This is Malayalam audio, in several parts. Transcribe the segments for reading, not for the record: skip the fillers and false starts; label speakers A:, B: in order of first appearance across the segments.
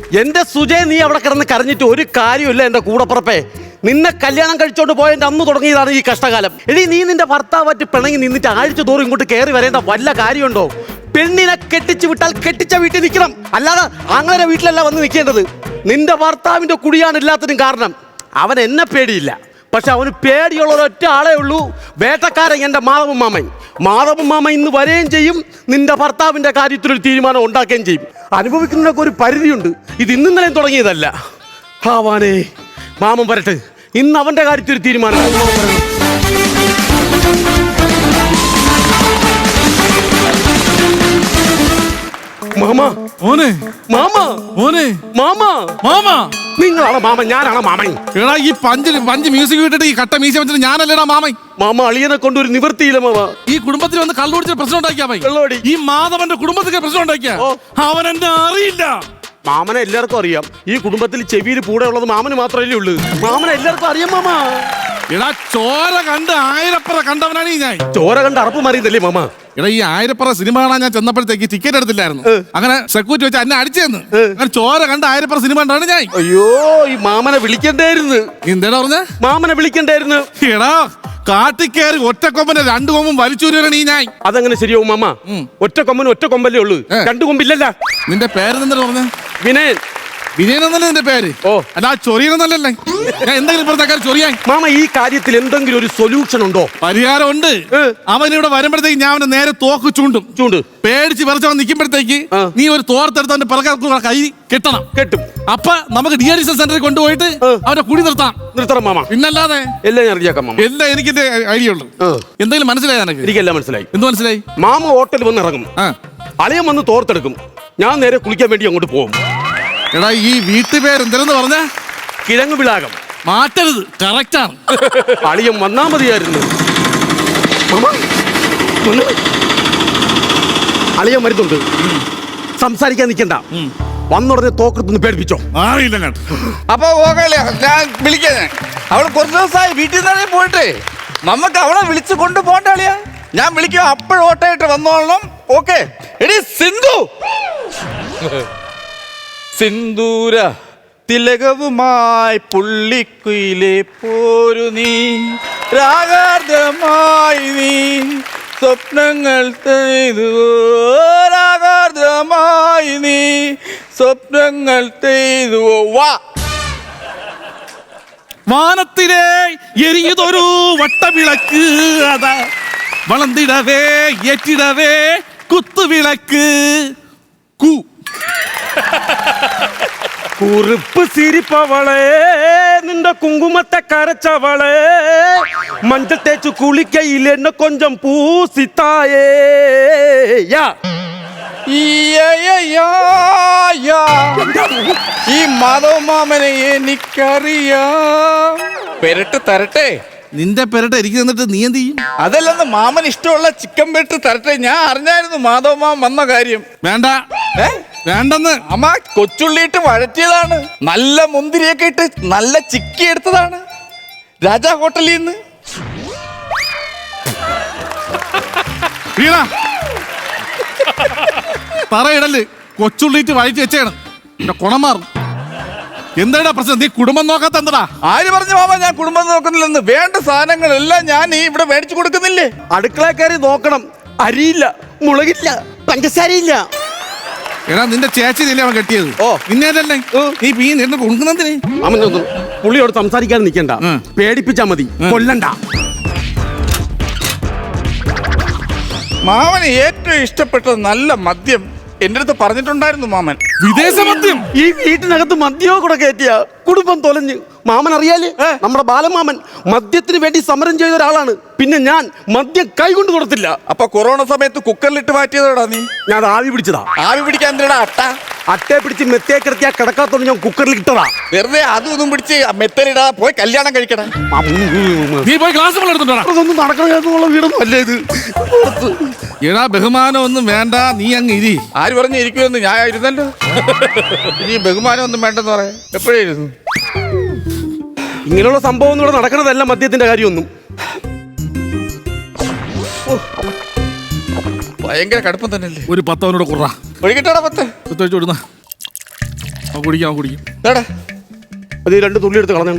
A: എന്റെ സുജയ്, നീ അവിടെ കിടന്ന് കരഞ്ഞിട്ട് ഒരു കാര്യമില്ല. എന്റെ കൂടപ്പുറപ്പേ, നിന്നെ കല്യാണം കഴിച്ചോണ്ട് പോയതിന്റെ അന്ന് തുടങ്ങിയതാണ് ഈ കഷ്ടകാലം. എടീ, നീ നിന്റെ ഭർത്താവായിട്ട് പിണങ്ങി നിന്നിട്ട് ആഴ്ച തോറും ഇങ്ങോട്ട് കയറി വരേണ്ട വല്ല കാര്യമുണ്ടോ? പെണ്ണിനെ കെട്ടിച്ചു വിട്ടാൽ കെട്ടിച്ച വീട്ടിൽ നിൽക്കണം, അല്ലാതെ അങ്ങനെ വീട്ടിലല്ല വന്ന് നിൽക്കേണ്ടത്. നിന്റെ ഭർത്താവിന്റെ കുടിയാണ് എല്ലാത്തിനും കാരണം. അവൻ എന്നെ പേടിയില്ല, പക്ഷെ അവന് പേടിയുള്ള ഒരൊറ്റ ആളേ ഉള്ളൂ, വേട്ടക്കാരൻ എൻ്റെ മാധവൻ മാമൻ. മാധവൻ മാമ ഇന്ന് വരെയും ചെയ്യും, നിന്റെ ഭർത്താവിന്റെ കാര്യത്തിലൊരു തീരുമാനം ഉണ്ടാക്കുകയും ചെയ്യും. അനുഭവിക്കുന്നതിനൊക്കെ ഒരു പരിധിയുണ്ട്. ഇത് ഇന്നലെയും തുടങ്ങിയതല്ല. ആവാനേ, മാമൻ വരട്ടെ, ഇന്ന് അവന്റെ കാര്യത്തിൽ ഒരു തീരുമാനം. മാമ,
B: മോനെ,
A: മാമ,
B: മോനെ,
A: മാമ,
B: മാമ.
A: നിങ്ങളാണ് മാമൻ, ഞാനാണ് മാമൻ.
B: എടാ, ഈ പഞ്ച് മ്യൂസിക് വിട്ടിട്ട് ഈ കട്ട മീശ വെച്ചിട്ട് ഞാനല്ലേടാ മാമൻ.
A: മാമ, അളിയനെ കൊണ്ട് ഒരു നിവൃത്തിയില്ല മാമ.
B: ഈ കുടുംബത്തിൽ വന്ന് കള്ളുപിടിച്ച പ്രശ്നം ഉണ്ടാക്കിയാ
A: വെള്ളോടി.
B: ഈ മാധവന്റെ കുടുംബത്തിൽ പ്രശ്നം ഉണ്ടാക്കിയ അവൻ എന്നെ അറിയില്ല.
A: മാമനെ എല്ലാവർക്കും അറിയാം. ഈ കുടുംബത്തിൽ ചെവിയിൽ കൂടെ ഉള്ളത് മാമന് മാത്രമല്ലേ ഉള്ളൂ. മാമനെ എല്ലാവർക്കും അറിയാം മാമ.
B: എടാ, ചോര കണ്ട് ആയിരപ്പറ കണ്ടവനാണ് ഈ ഞാൻ.
A: ചോര കണ്ട് അറപ്പ് മാറിയതല്ലേ മാമ?
B: എടാ, ഈ ആയിരപ്പറ സിനിമ കാണാൻ ഞാൻ ചെന്നപ്പോഴത്തേക്ക് ടിക്കറ്റ് എടുത്തില്ലായിരുന്നു. അങ്ങനെ സെക്യൂരിറ്റി വെച്ച് എന്നെ അടിച്ചെന്ന്. അങ്ങനെ ചോര കണ്ട് ആയിരപ്പറ സിനിമ കണ്ടാണ് ഞാൻ.
A: അയ്യോ, ഈ മാമനെ വിളിക്കണ്ടായിരുന്നു.
B: എന്താടാ പറഞ്ഞ?
A: മാമനെ വിളിക്കണ്ടായിരുന്നു.
B: എടാ, കാട്ടിക്കേറി ഒറ്റക്കൊമ്പനെ രണ്ടു കൊമ്പും വലിച്ചൂരാണ് ഈ ഞാൻ.
A: അതെങ്ങനെ ശരിയാവും മാമ? ഒറ്റ കൊമ്പന് ഒറ്റ കൊമ്പല്ലേ ഉള്ളൂ, രണ്ടു കൊമ്പില്ലല്ല.
B: നിന്റെ പേരെന്താ പറഞ്ഞ?
A: വിനയൻ.
B: വിനയൻ എന്നല്ലേ നിന്റെ പേര്?
A: ഓ,
B: അല്ല, ചൊറിയണമെന്നല്ലേ? ഞാൻ എന്തെങ്കിലും പറഞ്ഞ ചൊറിയാൻ.
A: മാമ, ഈ കാര്യത്തിൽ എന്തെങ്കിലും ഒരു സൊല്യൂഷൻ ഉണ്ടോ?
B: പരിഹാരം ഉണ്ട്. അവൻ ഇവിടെ വരുമ്പോഴത്തേക്ക് ഞാൻ അവന് നേരെ തോക്ക് ചൂണ്ട് പേടിച്ച് വിറച്ചവൻ നിൽക്കുമ്പോഴത്തേക്ക് നീ ഒരു തോർത്തെടുത്ത് അവന്റെ പിറകെ കൈ കെട്ടണം.
A: കെട്ടും.
B: അപ്പൊ നമുക്ക് ഡി-അഡിക്ഷൻ സെന്ററിൽ കൊണ്ടുപോയിട്ട് അവന്റെ കുടി നിർത്തണം
A: മാമ.
B: പിന്നല്ലാതെ
A: എല്ലാം ഞാൻ അറിയാക്കാം മാമ.
B: എല്ലാം എനിക്ക് ഐഡിയ ഉള്ളു. എന്തെങ്കിലും മനസ്സിലായി?
A: എനിക്കെല്ലാം മനസ്സിലായി.
B: എന്ത് മനസ്സിലായി?
A: മാമ ഹോട്ടലിൽ വന്ന് ഇറങ്ങും, അളിയൻ വന്ന് തോർത്തെടുക്കും, ഞാൻ നേരെ കുളിക്കാൻ വേണ്ടി അങ്ങോട്ട് പോകും.
B: എടാ, ഈ വീട്ടുപേര് എന്തെന്ന് പറഞ്ഞ?
A: കിഴങ്ങ് വിളാകം.
B: മാറ്റരുത്, കറക്റ്റാണ്.
A: അളിയൻ വന്നാ മതിയായിരുന്നു. അളിയൻ വരുന്നുണ്ട്, സംസാരിക്കാൻ നിൽക്കണ്ട. വന്നുടനെ തോക്കെടുത്തൊന്ന് പേടിപ്പിച്ചോ.
C: അപ്പൊ ഞാൻ വിളിക്കാൻ അവള് കുറച്ച് ദിവസമായി വീട്ടിൽ നിന്ന് പോയിട്ട് നമുക്ക് അവളെ വിളിച്ചു കൊണ്ട് പോകണ്ട അളിയാ. ഞാൻ വിളിക്കും, അപ്പോഴും ഓട്ടായിട്ട് വന്നോളണം. ഓക്കെ? എടി സിന്ധു, സിന്ദൂര തിലകവുമായി പുള്ളിക്കുയിലെ പോരു നീ, രാഗാർദ്ധമായി നീ സ്വപ്നങ്ങൾ ചെയ്തുവോ, രാഗാർദ്ധമായി നീ സ്വപ്നങ്ങൾ ചെയ്തുവോ. വാ.
B: വാനത്തിലെ എരിയതൊരു വട്ടവിളക്ക്, അതാ വളർന്നിടവേ ഏറ്റിടവേ കുത്തുവിളക്ക്.
A: കുറിപ്പ് സിരിപ്പവളെ, നിന്റെ കുങ്കുമത്തെ കരച്ചവളെ, മഞ്ച തേച്ചു കുളിക്കയിൽ എന്നെ കൊഞ്ചം പൂസിത്തായേ.
C: ഈ മാധവമാമനെ എനിക്കറിയാം. പെരട്ട് തരട്ടെ?
B: നിന്റെ പെരട്ട എനിക്ക് തന്നിട്ട് നീ എന്ത് ചെയ്യും?
C: അതല്ലെന്ന് മാമൻ ഇഷ്ടമുള്ള ചിക്കൻ പെരട്ട് തരട്ടെ. ഞാൻ അറിഞ്ഞായിരുന്നു മാധവമാമൻ വന്ന കാര്യം.
B: വേണ്ട, വേണ്ടെന്ന്.
C: അമ്മ കൊച്ചുള്ളിയിട്ട് വഴറ്റിയതാണ്, നല്ല മുന്തിരിയൊക്കെ ഇട്ട് നല്ല ചിക്കി എടുത്തതാണ് രാജാ ഹോട്ടലിൽ നിന്ന്.
B: പറയിടല് കൊച്ചുള്ളിയിട്ട് വഴറ്റി വെച്ചാണ് കുണം മാറും. എന്താടാ പ്രശ്നം? നീ കുടുംബം നോക്കാത്ത എന്താ?
C: ആര് പറഞ്ഞു മാമ ഞാൻ കുടുംബം നോക്കുന്നില്ലെന്ന്? വേണ്ട സാധനങ്ങളെല്ലാം ഞാൻ ഇവിടെ മേടിച്ചു കൊടുക്കുന്നില്ലേ?
A: അടുക്കള കയറി നോക്കണം, അരിയില്ല, മുളകില്ല, പഞ്ചസാരയില്ല.
B: എടാ, നിന്റെ ചേച്ചിയില്ലേ അവൻ കെട്ടിയത്? നിന്നേതല്ലേ? നീ പീ നിന്ന് കൊടുക്കുന്നതിന്
A: പുള്ളിയോട് സംസാരിക്കാൻ നിൽക്കണ്ട, പേടിപ്പിച്ചാ മതി, കൊല്ലണ്ട.
C: മാമന് ഏറ്റവും ഇഷ്ടപ്പെട്ടത് നല്ല മദ്യം എന്റെ അടുത്ത് പറഞ്ഞിട്ടുണ്ടായിരുന്നു മാമൻ.
B: വിദേശ മദ്യം?
A: ഈ വീട്ടിനകത്ത് മദ്യമോ കൂടെ കയറ്റിയ കുടുംബം തൊലഞ്ഞ്. മാമൻ അറിയാല്, നമ്മുടെ ബാലമാമൻ മദ്യത്തിന് വേണ്ടി സമരം ചെയ്ത ഒരാളാണ്. പിന്നെ ഞാൻ മദ്യം കൈകൊണ്ട് കൊടുത്തില്ല.
C: അപ്പൊ കൊറോണ സമയത്ത് കുക്കറിലിട്ട് മാറ്റിയതോടാ നീ?
A: ഞാൻ അത് ആവി പിടിച്ചതാ.
C: ആവി പിടിക്കാൻ എന്തിനാ അട്ട?
A: അട്ടയെ പിടിച്ച് മെത്തേ കിടത്തിയാ കിടക്കാത്തോണ്ട് ഞാൻ കുക്കറിൽ ഇട്ടതാ.
C: വെറുതെ അതും ഇതും പിടിച്ച് മെത്തലിടാ, പോയി കല്യാണം കഴിക്കണം.
B: നീ പോയി ക്ലാസ്
A: അതൊന്നും നടക്കണ വീടൊന്നും അല്ലേ ഇത്.
B: എടാ, ബഹുമാനം ഒന്നും വേണ്ട, നീ അങ്ങ് ഇരി.
C: ആര് പറഞ്ഞു ഇരിക്കുമെന്ന്? ഞാൻ ഇരുന്നല്ലോ. ഇനി ബഹുമാനം ഒന്നും വേണ്ടെന്ന് പറയാം. എപ്പോഴായിരുന്നു
A: ഇങ്ങനെയുള്ള സംഭവം ഒന്നും ഇവിടെ നടക്കണതല്ല, മദ്യത്തിന്റെ കാര്യമൊന്നും.
C: ഭയങ്കര കടുപ്പം തന്നെയല്ലേ?
B: ഒരു 10 അവനോട് കുറ
C: ഒഴുകിട്ടാടാ 10
B: വിടുന്ന. കുടിക്കാം കുടിക്കും.
C: എടാ
A: അത് ഈ 2 തുള്ളി എടുത്ത് കളഞ്ഞു.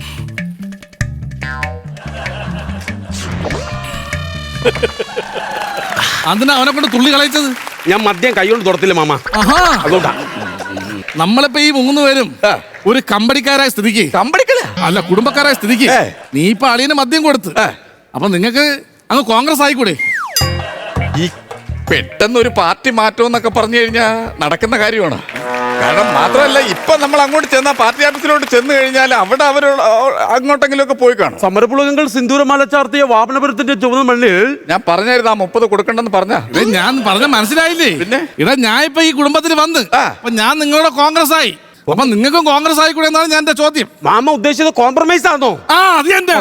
B: അതിനാ അവനെ കൊണ്ട് തുള്ളി കളയിച്ചത്?
A: ഞാൻ മദ്യം കൈകൊണ്ട് തുടത്തില്ല മാമ,
B: ആഹാ,
A: അതുകൊണ്ടാ.
B: നമ്മളിപ്പോ ഈ 3 പേരും ഒരു കമ്പടിക്കാരായ സ്ഥിതിക്ക്,
C: കമ്പടിക്കല
B: അല്ല കുടുംബക്കാരായ സ്ഥിതിക്ക് നീ ഇപ്പൊ അളിയന് മദ്യം കൊടുത്ത്, അപ്പൊ നിങ്ങക്ക് അങ്ങ് കോൺഗ്രസ് ആയിക്കൂടെ?
C: ഈ പെട്ടെന്ന് ഒരു പാർട്ടി മാറ്റം എന്നൊക്കെ പറഞ്ഞു കഴിഞ്ഞാൽ നടക്കുന്ന കാര്യമാണ്. കാരണം മാത്രമല്ല ഇപ്പൊ നമ്മൾ അങ്ങോട്ട് ചെന്ന പാർട്ടി ഓഫീസിലോട്ട് ചെന്ന് കഴിഞ്ഞാൽ അവിടെ അവർ അങ്ങോട്ടെങ്കിലും ഒക്കെ പോയി കാണും.
A: സമരപ്പുളകങ്ങൾ സിന്ദൂരമാല ചാർത്തിയ വാമനപുരത്തിന്റെ ചുവന്ന മണ്ണിൽ
C: ഞാൻ പറഞ്ഞായിരുന്നു ആ 30 കൊടുക്കണ്ടെന്ന് പറഞ്ഞ.
B: ഞാൻ പറഞ്ഞ മനസ്സിലായില്ലേ?
C: പിന്നെ
B: ഇടാ ഞാൻ ഇപ്പൊ ഈ കുടുംബത്തിൽ വന്ന് അപ്പൊ ഞാൻ നിങ്ങളുടെ കോൺഗ്രസ് ആയി, അപ്പൊ നിങ്ങൾക്കും കോൺഗ്രസ് ആയിക്കൂടെ എന്നാണ് ഞാൻ എന്റെ ചോദ്യം.
A: മാമ ഉദ്ദേശിച്ചത് കോംപ്രമൈസ് ആണോ?
B: ആ അത് എന്റെ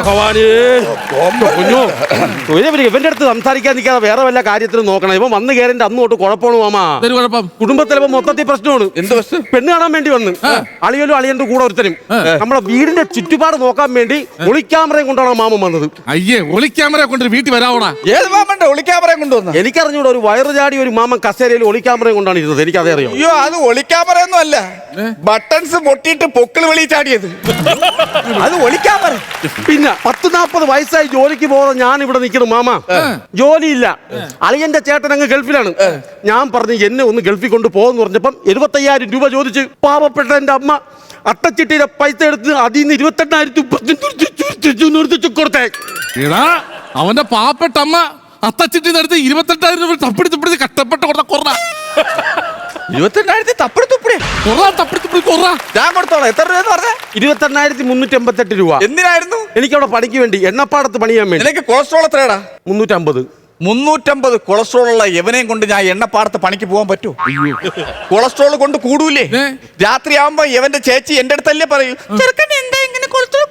A: ഇവന്റെ അടുത്ത് സംസാരിക്കാൻ നിൽക്കാതെ വേറെ വല്ല കാര്യത്തിലും നോക്കണം. ഇവൻ വന്ന് കയറിന്റെ അന്ന് തൊട്ട് കുഴപ്പമാണ് മാമ.
B: കുഴപ്പം
A: കുടുംബത്തിലിപ്പോ മൊത്തത്തിൽ പ്രശ്നമാണ്.
C: എന്ത് പ്രശ്നം?
A: പെണ്ണ് കാണാൻ വേണ്ടി വന്ന് അളിയലും അളിയന്റെ കൂടെ ഒരുത്തരും നമ്മുടെ വീടിന്റെ ചുറ്റുപാട് നോക്കാൻ വേണ്ടി ഒളിക്യാമറയും കൊണ്ടാണ് മാമൻ വന്നത്.
B: അയ്യേ, ഒളിക്യാമറ കൊണ്ട് വീട്ടിൽ വരാവോടാ?
C: ഏത് മാമന്റെ ഒളിക്യാമറയും കൊണ്ടുവന്ന?
A: എനിക്കറിഞ്ഞൂടെ, ഒരു വയറ് ചാടി ഒരു മാമൻ കസേരയിൽ ഒളിക്യാമറയും കൊണ്ടാണ് ഇരുന്നത്. എനിക്കതേ അറിയാം.
C: അയ്യോ, അത് ഒളിക്യാമറയൊന്നും അല്ല, ബട്ടൺസ് പൊട്ടിയിട്ട് പൊക്കിൾ വെളി ചാടിയത്. അത് ഒളിക്യാമറ.
A: പിന്നെ 10-40 വയസ്സായി ജോലിക്ക് പോകുന്ന ഞാൻ ഇവിടെ നിൽക്കണം മാമ, ജോലിയില്ല. അളിയന്റെ ചേട്ടൻ അങ്ങ് ഗൾഫിലാണ്. ഞാൻ പറഞ്ഞു എന്നെ ഒന്ന് ഗൾഫിൽ കൊണ്ട് പോകുന്നു പറഞ്ഞപ്പം 75,000 രൂപ ചോദിച്ച് പാവപ്പെട്ട എന്റെ അമ്മ അട്ടച്ചിട്ടിയുടെ പൈസ എടുത്ത് അതിൽ നിന്ന് 28,000 കൊടുത്തേ.
B: അവന്റെ പാവപ്പെട്ട അമ്മ അത്തച്ചിട്ടി നടത്തി 28,000 രൂപ തപ്പിടി തുപ്പിടി കഷ്ടപ്പെട്ട് കൊടുത്ത കൊറ.
C: 28,000 തപ്പിടി തുപ്പിടി
B: കൊറ
C: ഞാൻ കൊടുത്തോളാം. എത്ര രൂപ പറഞ്ഞ?
A: 28,388 രൂപ.
C: എന്തിനായിരുന്നു?
A: എനിക്കവിടെ പണിക്ക് വേണ്ടി, എണ്ണപ്പാടത്ത് പണിയാൻ വേണ്ടി.
C: നിനക്ക് കൊളസ്ട്രോൾ എത്രയാടാ?
A: 350.
C: 350 കൊളസ്ട്രോൾ ഉള്ള എവനെയും കൊണ്ട് ഞാൻ എണ്ണപ്പാടത്ത് പണിക്ക് പോകാൻ പറ്റൂ? കൊളസ്ട്രോൾ കൊണ്ട് കൂടൂലേ? രാത്രി ആവുമ്പോ എവന്റെ ചേച്ചി എന്റെ അടുത്തല്ലേ പറയൂ, ചെറുക്കൻ എന്താ ഇങ്ങനെ കൊളസ്ട്രോൾ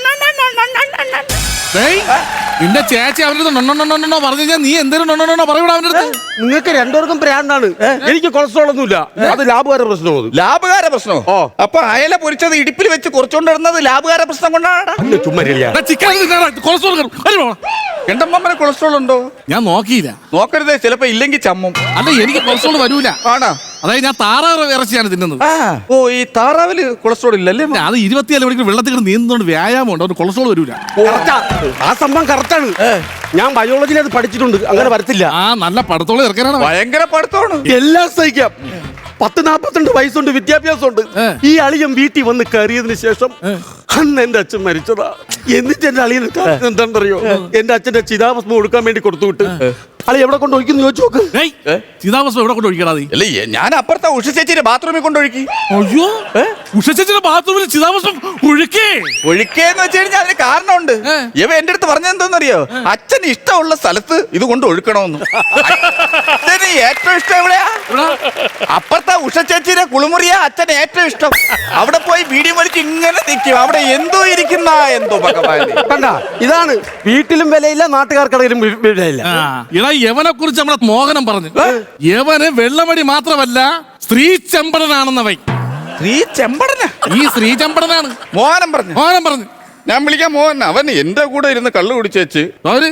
B: നിന്റെ ചേച്ചി അവരുടെ നൊണ്ണോ പറഞ്ഞു കഴിഞ്ഞാൽ നീ എന്തെങ്കിലും നൊണ്ണോ പറയൂടാ അവന്റെ അടുത്ത്.
A: നിങ്ങൾക്ക് രണ്ടുപേർക്കും പ്രാന്താണ്. എനിക്ക് കൊളസ്ട്രോൾ ഒന്നുമില്ല. അത് ലാഭകാര പ്രശ്നമാണ്.
C: ലാഭകാര പ്രശ്നമോ? അപ്പൊ അയല പൊരിച്ചത് ഇടുപ്പിൽ വെച്ച് കുറച്ചുകൊണ്ടിരുന്നത് ലാഭകാര പ്രശ്നം കൊണ്ടാണ്.
A: ചുമ്മാ
B: കൊളസ്ട്രോൾ
C: എന്റെ അമ്മമ്മനെ കൊളസ്ട്രോൾ ഉണ്ടോ?
B: ഞാൻ നോക്കിയില്ല.
C: നോക്കരുതേ, ചിലപ്പോ ഇല്ലെങ്കിൽ ചമ്മും.
B: അല്ല, എനിക്ക് കൊളസ്ട്രോൾ വരൂല.
C: ആണോ?
B: അതായത് ഞാൻ താറാവ് ഇറച്ചിയാണ് തിന്നുന്നത്.
C: ഓ, ഈ താറാവില് കൊളസ്ട്രോൾ ഇല്ലല്ലേ?
B: അത് 24 മണിക്കൂർ വെള്ളത്തിൽ നീന്തുകൊണ്ട് വ്യായാമം ഉണ്ട്, അതുകൊണ്ട് കൊളസ്ട്രോൾ വരൂല.
A: ആ സംഭവം കറക്റ്റാണ്. ഞാൻ ബയോളജിയിൽ അത് പഠിച്ചിട്ടുണ്ട്. അങ്ങനെ വരത്തില്ല.
B: ആ നല്ല പടത്തോളം ഇറക്കാനാണ്.
C: ഭയങ്കര പഠിത്തമാണ്.
A: എല്ലാം സഹിക്കാം. 40-42 വയസ്സുണ്ട്, വിദ്യാഭ്യാസമുണ്ട്. ഈ അളിയൻ വീട്ടിൽ വന്ന് കയറിയതിന് ശേഷം അന്ന് എന്റെ അച്ഛൻ മരിച്ചതാ. എന്നിട്ട് എന്റെ അളിയൻ എന്താണെന്നറിയോ? എന്റെ അച്ഛന്റെ ചിതാഭസ്മം കൊടുക്കാൻ വേണ്ടി കൊടുത്തു വിട്ട് അളി എവിടെ കൊണ്ട് ഒഴിക്കുന്നു ചോദിച്ചു നോക്ക്.
B: ചിതാഭസ്മം എവിടെ കൊണ്ട് ഒഴിക്കണ?
C: അല്ലേ, ഞാൻ അപ്പുറത്തെ ഉഷ ചേച്ചിയുടെ ബാത്റൂമിൽ കൊണ്ടൊഴുക്കി.
B: അയ്യോ, ഉഷ ചേച്ചിയുടെ ബാത്റൂമിൽ ചിതാഭസ്മം
C: ഒഴുക്കേന്ന് വെച്ച് കഴിഞ്ഞാൽ അതിന് കാരണമുണ്ട്. ഇവ എന്റെ അടുത്ത് പറഞ്ഞെന്തോന്നറിയോ? അച്ഛന് ഇഷ്ടമുള്ള സ്ഥലത്ത് ഇത് കൊണ്ട് ഒഴുക്കണമെന്ന്. അച്ഛന് ഏറ്റവും ഇഷ്ടം എവിടെയാ? അപ്പുറത്തെ ഉഷ ചേച്ചിയുടെ കുളിമുറിയാ അച്ഛന് ഏറ്റവും ഇഷ്ടം. അവിടെ പോയി വീഡിയോ വലിച്ച് ഇങ്ങനെ നിൽക്കും. അവിടെ എന്തോ ഇരിക്കുന്ന എന്തോ ഭഗവാൻ.
A: കണ്ട, ഇതാണ് വീട്ടിലും വിലയില്ല, നാട്ടുകാർക്കിടയിലും വിലയില്ല.
B: യവനെ കുറിച്ച് നമ്മളെ മോഹനം പറഞ്ഞു. യവന് വെള്ളമടി മാത്രമല്ല, സ്ത്രീ ചെമ്പടനാണെന്നവൻ.
C: സ്ത്രീ ചെമ്പടന?
B: ഈ സ്ത്രീ ചെമ്പടനാണ്.
C: മോഹനം പറഞ്ഞു. ഞാൻ വിളിക്കാം മോഹൻ. അവൻ എന്റെ കൂടെ ഇരുന്ന് കള്ളു കുടിച്ചേച്ച്
B: അവര്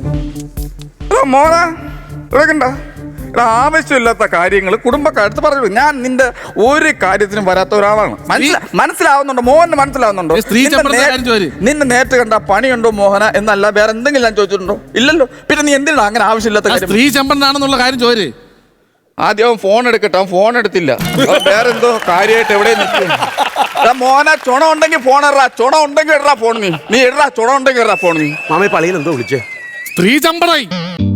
C: മോഹന ഇടക്കണ്ട. ആവശ്യമില്ലാത്ത കാര്യങ്ങൾ കുടുംബക്കാരത്ത് പറഞ്ഞു. ഞാൻ നിന്റെ ഒരു കാര്യത്തിനും വരാത്ത ഒരാളാണ്. മനസ്സിലാവുന്നുണ്ടോ മോഹന്? മനസ്സിലാവുന്നുണ്ടോ? നിന്നെ നേരിട്ട് കണ്ട പണിയുണ്ടോ മോഹന എന്നല്ല വേറെ എന്തെങ്കിലും ഞാൻ ചോദിച്ചിട്ടുണ്ടോ? ഇല്ലല്ലോ. പിന്നെ നീ എന്തിനാ അങ്ങനെ ആവശ്യമില്ലാത്ത കാര്യം?
B: സ്ത്രീ ചെമ്പനാണെന്നുള്ള കാര്യം ചോര്.
C: ആദ്യം അവൻ ഫോൺ എടുക്കട്ടെ. അവൻ ഫോൺ എടുത്തില്ല. വേറെ എന്തോ കാര്യമായിട്ട് എവിടെ നിൽക്കും. മോഹന, ചുണ ഉണ്ടെങ്കിൽ ഫോൺ ഇടാ. ചുണ ഉണ്ടെങ്കിൽ ഇടാ ഫോൺ. നീ ഇടാ. ചുണ ഉണ്ടെങ്കിൽ ഇടാ ഫോൺ. നീ
A: മാമയെ പള്ളിയിൽ എന്തോ വിളിച്ചേ?
B: സ്ത്രീ ചെമ്പടായി.